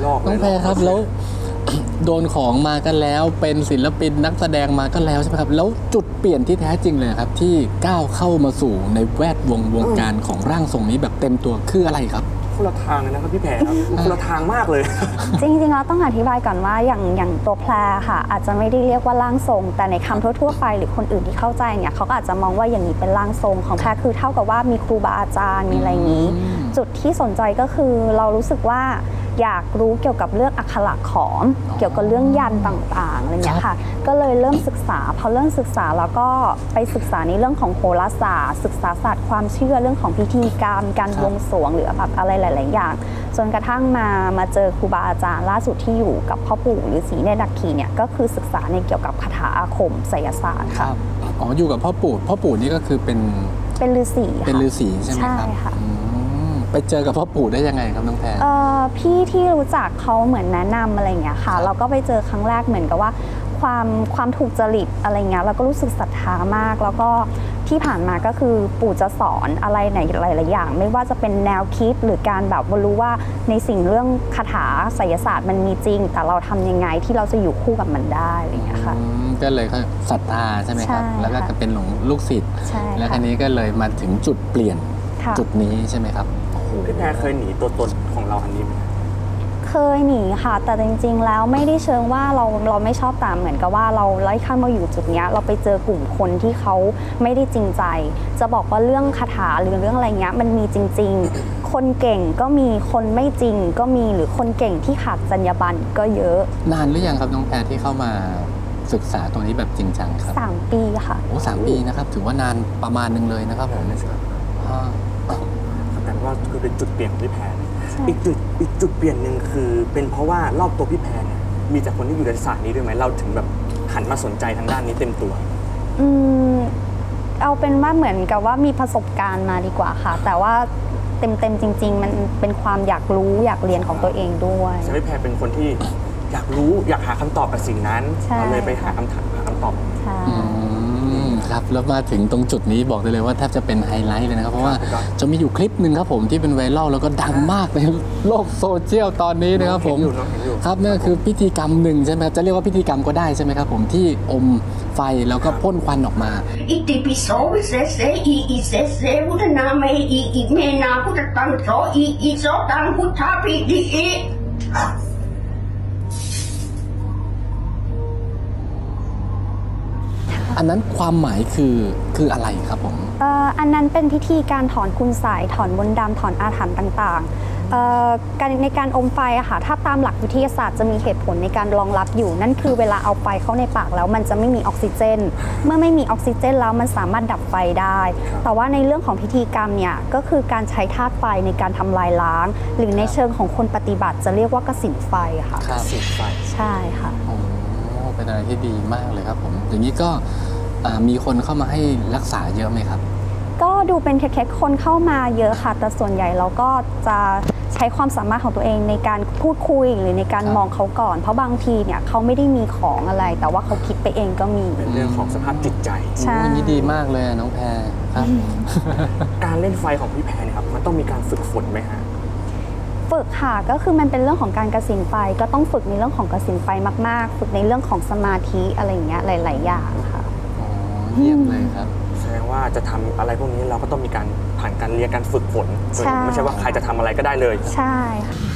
ลอกน้องแพรครับแล้ว โดนของมากันแล้วเป็นศิลปินนักแสดงมาก็แล้วใช่ไหมครับแล้วจุดเปลี่ยนที่แท้จริงเลยครับที่ก้าวเข้ามาสู่ในแวดวงการของร่างทรงนี้แบบเต็มตัวคืออะไรครับคนละทางเลยนะครับพี่แพรครับคนละทางมากเลยจริงๆเราต้องอธิบายก่อนว่าอย่างตัวแพรค่ะอาจจะไม่ได้เรียกว่าร่างทรงแต่ในคำทั่วๆไปหรือคนอื่นที่เข้าใจเนี่ยเขาก็อาจจะมองว่าอย่างนี้เป็นร่างทรงของแพรคือเท่ากับว่ามีครูบาอาจารย์มีอะไรอย่างนี้จุดที่สนใจก็คือเรารู้สึกว่าอยากรู้เกี่ยวกับเรื่องอักขระขอมเกี่ยวกับเรื่องยันต่างๆอะไรอย่างเงี้ยค่ะก็เลยเริ่มศึกษาพอเริ่มศึกษาแล้วก็ไปศึกษาในเรื่องของโหราศาสตร์ศึกษาศาสตร์ความเชื่อเรื่องของพิธีกรรมการบวงสรวงหรือแบบอะไรหลายๆอย่างจนกระทั่งมาเจอครูบาอาจารย์ล่าสุดที่อยู่กับพ่อปู่ฤาษีเนตรนาคีเนี่ยก็คือศึกษาในเกี่ยวกับคาถาอาคมไสยศาสตร์ค่ะอ๋ออยู่กับพ่อปู่นี่ก็คือเป็นฤาษีเป็นฤาษีใช่ไหมครับใช่ค่ะไปเจอกับพ่อปู่ได้ยังไงครับน้องแพรพี่ที่รู้จักเขาเหมือนแนะนำอะไรอย่างเงี้ยค่ะเราก็ไปเจอครั้งแรกเหมือนกับว่าความถูกจริตอะไรเงี้ยเราก็รู้สึกศรัทธามากแล้วก็ที่ผ่านมาก็คือปู่จะสอนอะไรในหลายๆอย่างไม่ว่าจะเป็นแนวคิดหรือการแบบรู้ว่าในสิ่งเรื่องคาถาไสยศาสตร์มันมีจริงแต่เราทำยังไงที่เราจะอยู่คู่กับมันได้อะไรเงี้ยค่ะก็เลยเขาศรัทธาใช่ไหมครับแล้วก็เป็นหลงลูกศิษย์แล้วทีนี้ก็เลยมาถึงจุดเปลี่ยนจุดนี้ใช่ไหมครับพี่แพรเคยหนีตัวตนของเราอันนี้ไหมเคยหนีค่ะแต่จริงๆแล้วไม่ได้เชิงว่าเราไม่ชอบตามเหมือนกับว่าเราไล่ข้ามมาอยู่จุดนี้เราไปเจอกลุ่มคนที่เขาไม่ได้จริงใจจะบอกว่าเรื่องคาถาหรือเรื่องอะไรเงี้ยมันมีจริงๆคนเก่งก็มีคนไม่จริงก็มีหรือคนเก่งที่ขาดจรรยาบรรณก็เยอะนานหรือยังครับน้องแพรที่เข้ามาศึกษาตรงนี้แบบจริงจังครับ 3 ปีค่ะโอ้3 ปีนะครับถือว่านานประมาณนึงเลยนะครับผมแต่ว่าคือเป็นจุดเปลี่ยนของพี่แพรอีกจุดเปลี่ยนหนึ่งคือเป็นเพราะว่ารอบตัวพี่แพรเนี่ยมีแต่คนที่อยู่ในศาสตร์นี้ด้วยไหมเราถึงแบบหันมาสนใจทางด้านนี้เต็มตัวเอาเป็นว่าเหมือนกับว่ามีประสบการณ์มาดีกว่าค่ะแต่ว่าเต็มจริงๆมันเป็นความอยากรู้อยากเรียนของตัวเองด้วยใช่พี่แพรเป็นคนที่อยากรู้อยากหาคำตอบกับสิ่งนั้นเราเลยไปหาคำตอบครับแล้วมาถึงตรงจุดนี้บอกได้เลยว่าแทบจะเป็นไฮไลท์เลยนะครับเพราะว่าจะมีอยู่คลิปหนึ่งครับผมที่เป็นไวรัลแล้วก็ดังมากในโลกโซเชียลตอนนี้นะครับผมครับนั่นคือพิธีกรรมหนึ่งใช่ไหมครับจะเรียกว่าพิธีกรรมก็ได้ใช่ไหมครับผมที่อมไฟแล้วก็พ่นควันออกมาอิติปิโสวิเศษเสอีเสษเสวุฒนาเมอีเมนาพุทธตังโสอีโสตังพุทธาปิดิอันนั้นความหมายคืออะไรครับผมอันนั้นเป็นพิธีการถอนคุณไสยถอนมนต์ดำถอนอาถรรพ์ต่างๆการในการอมไฟอะค่ะถ้าตามหลักวิทยาศาสตร์จะมีเหตุผลในการรองรับอยู่นั่นคือเวลาเอาไฟเข้าในปากแล้วมันจะไม่มีออกซิเจนเมื่อไม่มีออกซิเจนแล้วมันสามารถดับไฟได้แต่ว่าในเรื่องของพิธีกรรมเนี่ยก็คือการใช้ธาตุไฟในการทำลายล้างหรือในเชิงของคนปฏิบัติจะเรียกว่ากสิณไฟค่ะกสิณไฟใช่ค่ะเป็นอะไรที่ดีมากเลยครับผมอย่างนี้ก็มีคนเข้ามาให้รักษาเยอะไหมครับก็ดูเป็นแค่คนเข้ามาเยอะค่ะแต่ส่วนใหญ่เราก็จะใช้ความสามารถของตัวเองในการพูดคุยหรือในการมองเขาก่อนเพราะบางทีเนี่ยเขาไม่ได้มีของอะไรแต่ว่าเขาคิดไปเองก็มีเป็นเรื่องของสภาพจิตใจใช่นี่ดีมากเลยน้องแพรครับการเล่นไฟของพี่แพรเนี่ยครับมันต้องมีการฝึกฝนไหมฮะฝึกค่ะก็คือมันเป็นเรื่องของการกสิณไฟก็ต้องฝึกในเรื่องของกสิณไฟมากๆฝึกในเรื่องของสมาธิอะไรอย่างเงี้ยหลายๆอย่างค่ะเยี่ยมเลยครับแสดงว่าจะทำอะไรพวกนี้เราก็ต้องมีการผ่านการเรียนการฝึกฝนไม่ใช่ว่าใครจะทำอะไรก็ได้เลยใช่ค่ะ